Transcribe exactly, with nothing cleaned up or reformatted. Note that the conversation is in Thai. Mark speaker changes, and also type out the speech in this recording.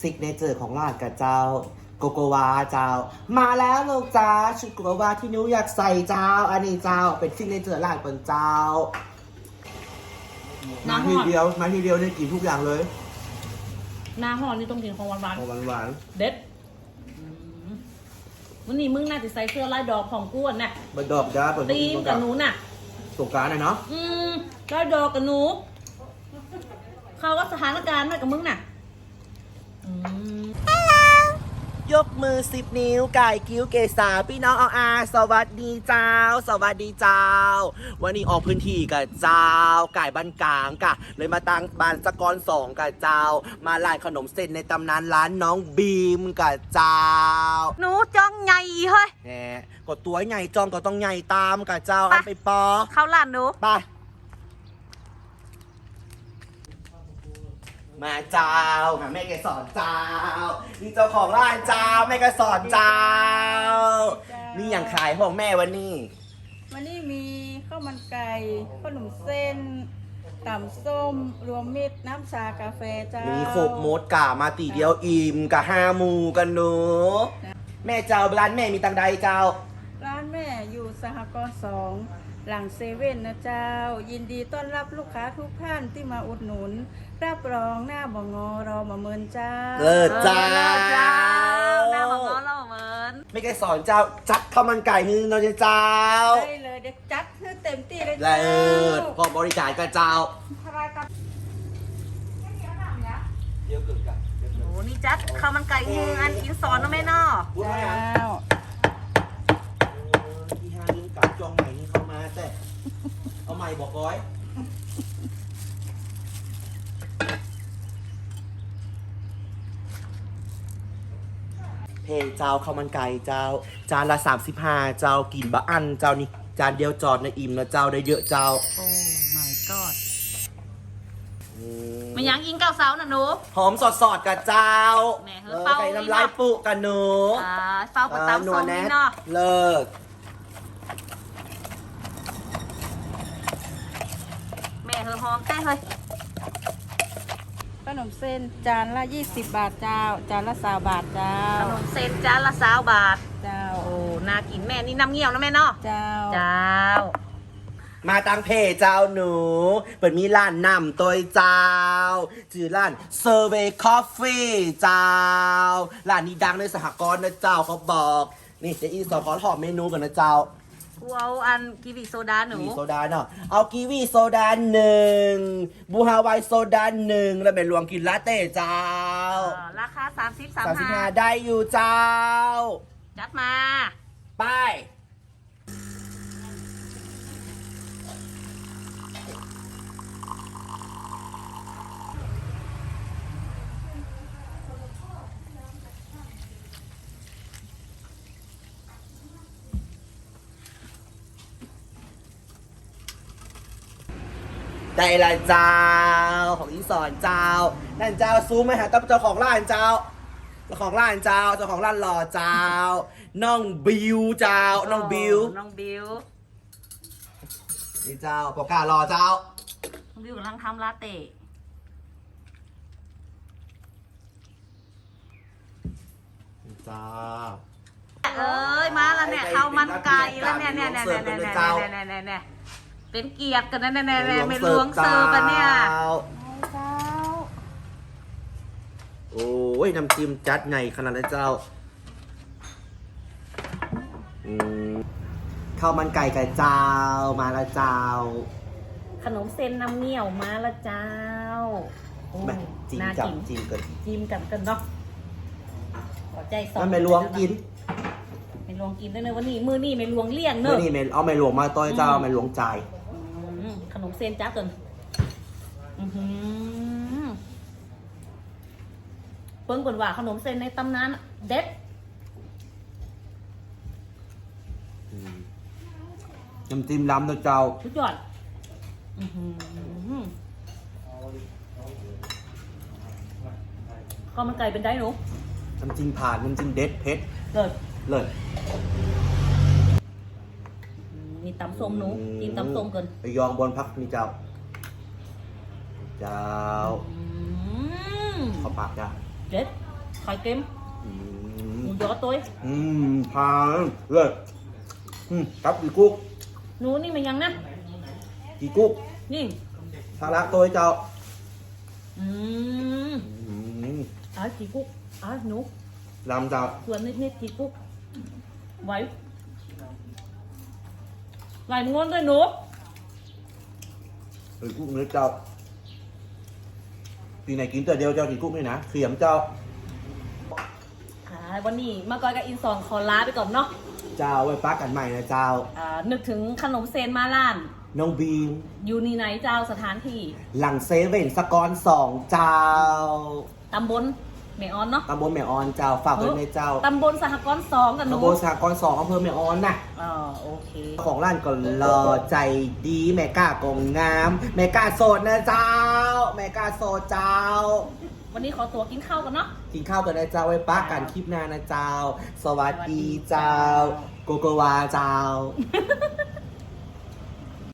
Speaker 1: ซิกเนเจอร์ของร้านกับเจ้าโกโกวาเจ้ามาแล้วลูกจ้าชุดโกโกวาที่นิ้วอยากใส่เจ้าอันนี้เจ้าเป็นซิกเนเจอร์ร้านเป็นเจ้ามาทีเดียวมาทีเดียวได้กินทุกอย่างเลย
Speaker 2: หน้าห่อนี่ต้องกินของหวาน
Speaker 1: ของหวาน
Speaker 2: ๆเด็ดวันนี้มึงน่าจะใส่เสื้อลายดอกของกูน่ะ
Speaker 1: ๆบันดอกจ้าเปิด
Speaker 2: ตีมกับหนูน่ะ
Speaker 1: สงกรานต์นะเนาะ
Speaker 2: อืมลายดอกกับหนูเขาก็สถานการณ์มากับมึงน่ะอืม
Speaker 1: ยกมือสิบนิ้วไก่กิ้วเกษาพี่น้องเอาอาสวัสดีเจ้า สวัสดีเจ้า วันนี้ออกพื้นที่กับเจ้าไก่บ้านกลางกะเลยมาตั้งบ้านสกรสองกับเจ้า มาร้านขนมเส้นในตำนานร้านน้องบีมกับเจ้า
Speaker 2: หนูจ้องใหญ่เฮ้ย
Speaker 1: แหมกดตัวใหญ่จองก็ต้องใหญ่ตามกับเจ้าอันไปปอ
Speaker 2: เข้าร้านหนู
Speaker 1: ไปมาเจ้าหาแม่แกสอนเจ้านี่เจ้าของร้านเจ้าแม่แกสอนเจ้านี่อย่างขายของแม่วันนี้
Speaker 3: วันนี้มีข้าวมันไก่ขนมเส้นต่ำส้มรวมมิตรน้ำชากาแฟเจ้า
Speaker 1: มีโคบมดกะมาตีเดียวอิ่มกะห้าหมูกันหนูแม่เจ้าร้านแม่มีตังใดเจ้า
Speaker 3: ร้านแม่อยู่สหกรณ์สองหลังเซเว่นนะเจ้ายินดีต้อนรับลูกค้าทุกท่านที่มาอุดหนุนรับรองหน้าบ่งอรอมาเมินเจ้า
Speaker 1: เลิศเจ้า
Speaker 2: หน้าบ่งอรอมาเมิน
Speaker 1: ไม่แกสอนเจ้าจัดข้าวมันไก่นี่เราจะเจ้า
Speaker 3: ได้เลยเด็กจัดให้เต็มที่เลย
Speaker 1: เลิศพอบริการกับเจ้าเดี๋ยวเกิดกัน
Speaker 2: โอ้นี่จัดข้าวมันไก่ฮืออันกินสอนนะแม่เนาะ
Speaker 3: เจ้า
Speaker 1: ที่ห้านิ้วกับจองใหม่นี่เข้ามาแต่เอาใหม่บอกร้อยเพเจ้าข้าวมันไก่เจ้าจานละสามสิบห้าเจ้ากินบะอันเจ้านี่จานเดียวจอดในอิ่มนะเจ้าได้เยอะเจ้า
Speaker 2: โอ้ my god มันยังอิงเก้าเสาน่ะหนู
Speaker 1: หอมสดสดกับเจ้า
Speaker 2: แม่เฮ้ยเป้า
Speaker 1: ไก่น้ำลายปุกันหนู
Speaker 2: อ่าเป้ากับตำส้มนี่เนาะ
Speaker 1: เลิก
Speaker 2: แม่เฮ้ยหอมแท้เฮ้ย
Speaker 3: ขนมเส้นจานละยี่สิบบาทเจ้าจานละสามบาทเจ้า
Speaker 2: ขนมเส้นจานละสามบาท
Speaker 3: เจ้า
Speaker 2: โอ้น่ากินแม่นี่น้ำเงี้ยวนะแม่เนาะ
Speaker 3: เจ้า
Speaker 2: เจ้า
Speaker 1: มาตังเพเจ้าหนูเปิดมีร้านนำตัวเจ้าชื่อร้านเซอร์เวย์คอฟฟี่เจ้าร้านนี้ดังในสหกรณ์นะเจ้าเขาบอกนี่จะอีสอนขอถอดเมนูก่อนนะเจ้า
Speaker 2: กูเอาอันกีวีโซดาหนู
Speaker 1: กีวีโซดาเนาะเอากีวีโซดาหนึ่งบูฮาวายโซดาหนึ่งแล้วเป็นรวมกินลาเต้เจ้า
Speaker 2: ราคาสามสิบสาม
Speaker 1: สิบห้าได้อยู่เจ้า
Speaker 2: จัดมา
Speaker 1: ไปได้ละเจ้าของอีสอนเจ้านั่นเจ้าซูมไหมฮะตั้งเจ้าของร้านเจ้าเจ้าของร้านเจ้าเจ้าของร้านหล่อเจ้าน้องบิวเจ้าน้องบิว
Speaker 2: น้องบิว
Speaker 1: นี่เจ้าปกการอเจ้า
Speaker 2: น้องบิวกำลังทำลาเต้
Speaker 1: เจ้า
Speaker 2: เอ้ยมาแล้วเนี่ยข้าวมันไก่แล้วเนี่ยเนี่ยเนี่ยเนี่ยเนี่ยเนี่ยเนี่ยเนี่ยเป็นเกียรติกันนะเนี่ยเนี่ยเป็นล้วงเซิร์ฟกันเนี่ย
Speaker 1: โอ้ยน้ำจิ้มจัดไงขนาดนั้นเจ้าข้าวมันไก่กับเจ้ามาละเจ้า
Speaker 2: ขนมเส้นน้ำเงี้ยวมาละเจ้า
Speaker 1: จิ้มกับจิ้มกัน
Speaker 2: จิ้มกันกันเนาะขอใจสอง
Speaker 1: มันไม่ลวงกิน
Speaker 2: ไม่ลวงกินด้วยเนอะวันนี้มือนี่ไม่ลวงเลี่ยงเนอะ
Speaker 1: มือนี่ไม่เอาไม่ลวงมาต้อยเจ้าไม่ลวงใจ
Speaker 2: ขนมเส้นจ้าเกินเปิ้งก่อนว่าขนมเส้นในตำนานเด็ด
Speaker 1: น้ำจิ้มล้ำตัวเจ้า
Speaker 2: สุดยอดข้าวมันไก่เป็นได้หนู
Speaker 1: น้ำจิ้มผ่านน้ำจิ้มเด็ดเผ็ด
Speaker 2: เลิศ
Speaker 1: เลิศ
Speaker 2: นี่ตำส้มหนูกินตำส้มเกิน
Speaker 1: ไปยองบนพักนี่เจ้าเจ้าขอปากจ้า
Speaker 2: เด็ดไข่เค็ม
Speaker 1: อื
Speaker 2: ห
Speaker 1: ม
Speaker 2: มูยอตัว
Speaker 1: อืมทานเลยอืมครับกี่กุ๊ก
Speaker 2: หนูนี่มันยังนะ
Speaker 1: กี่กุ๊ก
Speaker 2: นี่
Speaker 1: ทาระตัวเจ้า
Speaker 2: อืม
Speaker 1: อืม
Speaker 2: อ่ะกี่กุ๊กอ่ะหนู
Speaker 1: ลำเจ้า
Speaker 2: ส่วนนิดๆกี่กุ๊กไหวไหวมึงงอนด้วยหนู
Speaker 1: เฮ้ยกุ๊กเนื้อเจ้าปีไหนกินแต่เดียวเจ้ากี่กุ๊กนี่นะเสียมเจ้า
Speaker 2: อ่าวันนี้มาก่อยกับอินซองขอลาไปก่อนเนาะ
Speaker 1: เจ้าไว้ปักกันใหม่นะเจ้า
Speaker 2: อ่านึกถึงขนมเซนมาล้าน
Speaker 1: น้องบีม
Speaker 2: อยู่นี่ไหนเจ้าสถานที่
Speaker 1: หลังเซเว่นสกอนสองเจ้า
Speaker 2: ตำบลแม่ออนเนาะ
Speaker 1: ตำบลแม่ออนเจ้าฝากไว้ในเจ้า
Speaker 2: ตำบลสหกรณ์สองกันหนู
Speaker 1: ตำบลสหกรณ์สองอำเภอแม่ออนน่ะ
Speaker 2: อ๋อโอเค
Speaker 1: ของร้านก็รอใจดีแม่ก้ากงงามแม่ก้าโสดนะเจ้า แม่ก้าโสดเจ้า
Speaker 2: วันนี้ขอตัวกินข้าวกันเนาะ
Speaker 1: กินข้าวกันนะเจ้าไว้ปักกันคลิปหน้านะเจ้า สวัสดีเจ้า โกโกวาเจ้า